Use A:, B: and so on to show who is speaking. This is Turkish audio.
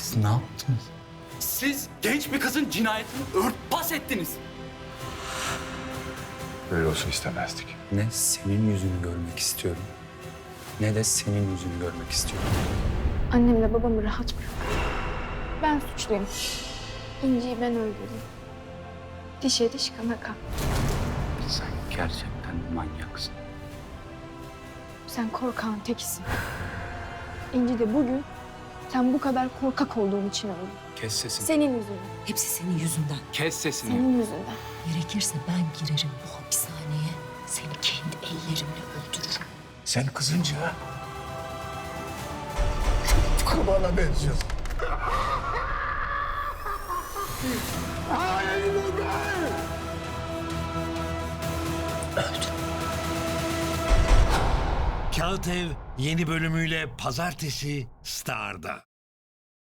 A: Siz ne yaptınız?
B: Siz genç bir kızın cinayetini örtbas ettiniz.
C: Böyle olsun istemezdik.
A: Ne senin yüzünü görmek istiyorum, ne de senin yüzünü görmek istiyorum.
D: Annemle babamı rahat bırak. Ben suçluyum. İnci'yi ben öldürdüm. Dişe diş kana kan.
A: Sen gerçekten manyaksın.
D: Sen korkağın tekisin. İnci de bugün sen bu kadar korkak olduğun için öldü.
A: Kes sesini.
D: Senin yüzünden.
E: Hepsi senin yüzünden.
A: Kes sesini.
D: Senin yüzünden.
E: Gerekirse ben girerim bu hapishaneye. Seni kendi ellerimle öldürürüm.
C: Sen kızınca kurbana benziyorsun.
F: Kağıt Ev yeni bölümüyle Pazartesi Star'da.